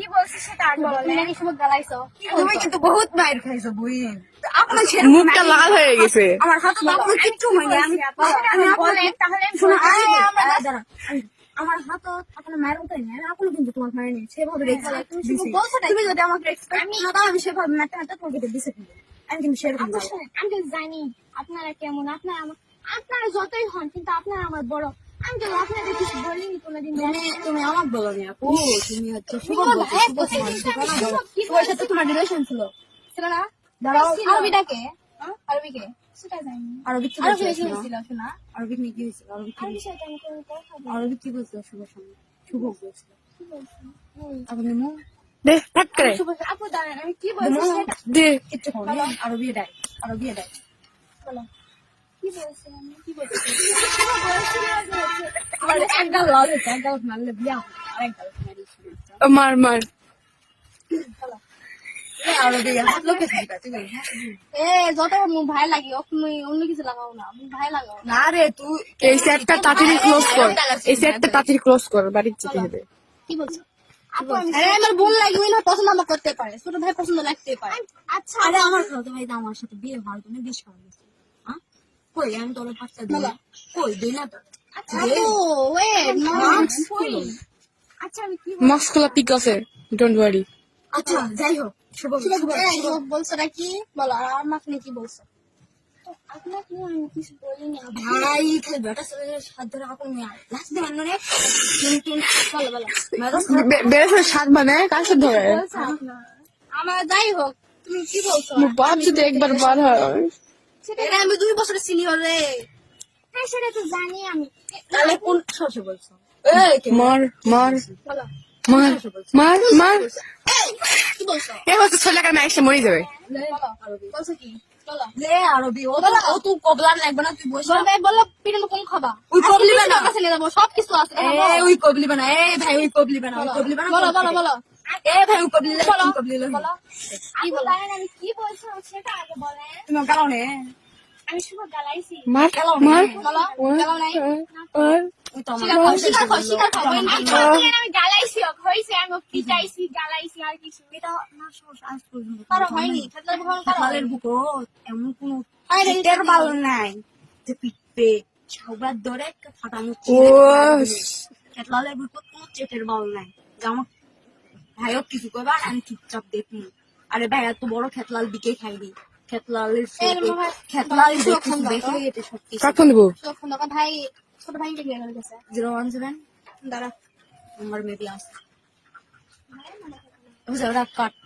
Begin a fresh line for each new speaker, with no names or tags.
বলছিস সেটা আগে বল।
তুমি নাকি শুভ গালাইছো।
তুমি কিন্তু বহুত মাইর খাইছো বুইন। আপনার
মুখটা লাল হয়ে গেছে।
আমার হাতে তো আপনার কিচ্ছু হয়নি। আমি বলেন তাহলে শোনো আমার হাত আপনার মায়ের মতোই না। আমি আপনি কিন্তু তোমার মায়ের নেই সেভাবে রেখে তুমি যদি আমাকে রেসপেক্ট না দাও আমি সেভাবে মারতে মারতে তোমাকে দিছে কিন্তু আমি কিন্তু সেরকম
আমি তো জানি আপনারা কেমন, আপনারা যতই হন কিন্তু আপনারা আমার বড়। আমি তো আপনাদের কিছু বলিনি কোনোদিন।
তুমি আমাকে বলো নি আপু, তুমি হচ্ছে শুভ শুভর সাথে তোমার রিলেশন ছিল
না?
দাঁড়াও
আরবিটাকে আরবিকে সেটা জানি।
আরবিক কি
আরবি
বলছিল
হয়েছিল শোনা।
আরবিক নিয়ে কি হয়েছিল
আরবি সাথে আমি কোনো কথা বলি।
আরবিক কি বলছিল শুভর সঙ্গে শুভ বলছিল
কি বলছি?
আপনি মো
দে ফট করে
আপু দাঁড়ান আমি কি বলছি সেটা
দে।
কিচ্ছু করো আরবি ডাই
বলো। কি বলছি আমি? কি বলছি?
আমার একদম লাল হচ্ছে একদম মারলে বিয়া আরেকদম
মার মার।
আরবি হাত লোকে দিবা তুমি
যত ভাই লাগি তুমি অন্য কিছু লাগাও না, ভাই লাগাও।
না রে তুই
এই সেটটা তাড়াতাড়ি ক্লোজ কর, এই সেটটা তাড়াতাড়ি ক্লোজ কর, বাড়ি যেতে হবে।
কি বলছো? আপু আমার বোন লাগি ওই না পছন্দ আমার করতে পারে, ছোট ভাই পছন্দ লাগতে পারে। আচ্ছা
আরে আমার খালাতো ভাই তো আমার সাথে বিয়ে হওয়ার জন্য বিশ করে দিয়েছে হ্যাঁ কই আমি তোর পাঁচটা দিই কই দিই না তো
আপু ওয়েট আচ্ছা আমি কি
মাস্কুলা পিক আছে, ডোন্ট ওয়ারি।
আচ্ছা যাই হোক শুভ
বলছো নাকি বলো, আর আমাকে নিয়ে কি বলছো? আপনাকে আমি কিছু বলিনি।
ভাই খালি বেটা ছেলের সাথ ধরে আপন মেয়ে লাস্ট দিন মানে
বলো বলো
বেড়েছে সাত মানে কার সাথে ধরে?
আমার যাই হোক তুমি কি বলছো?
বাপ যদি একবার বার হয়।
এটা আমি 2 বছরের সিনিয়র রে
হ্যাঁ সেটা তো জানি আমি।
তাহলে কোন সরষে বলছো
মার মার
বলো
মার মার মার।
কি বলছো?
এ হচ্ছে ছেলেকার মেয়ে এসে মরে যাবে।
বলো বলছো কি বলো
লে আরবি ও তো কবলার লাগবে না তুই বসে
বলবে বলো পিঠে কোন খাবা
ওই কবলি বানা
কাছে নিয়ে যাবো সব কিছু আছে।
ওই কবলি বানা ভাই ওই কবলি বানা
বলো বলো বলো
ভাই ওই কবলি
বলো কি বলো আমি কি বলছো সেটা আগে বলেন।
তুমি গালাও নে
আমি শুভ গালাইছি।
মার মার
বলো গালাও নাই
ওই তো আমার
স্বীকার করো আমি গালাইছি হইছে আমি পিটাইছি গালাইছি আর কিছু
এটা না সমস্যা আজ পর্যন্ত
কারো হয়নি খেতলার ভগবান কারো
খালের বুকো এমন কোন পিঠের বাল নাই যে পিটবে সবার ধরে ফাটানো
ও
খেতলালের বুকো কোন চেটের বাল নাই যে আমার ভাইও কিছু করবে আর আমি চুপচাপ দেখি আরে ভাই এত বড় খেতলাল বিকে খাইনি খেতলালের খেতলাল দেখে এটা সত্যি
কখন দেবো?
ভাই ছোট ভাই কে নিয়ে গেছে
017 দাঁড়া আমার মেবি আছে ওরা কাট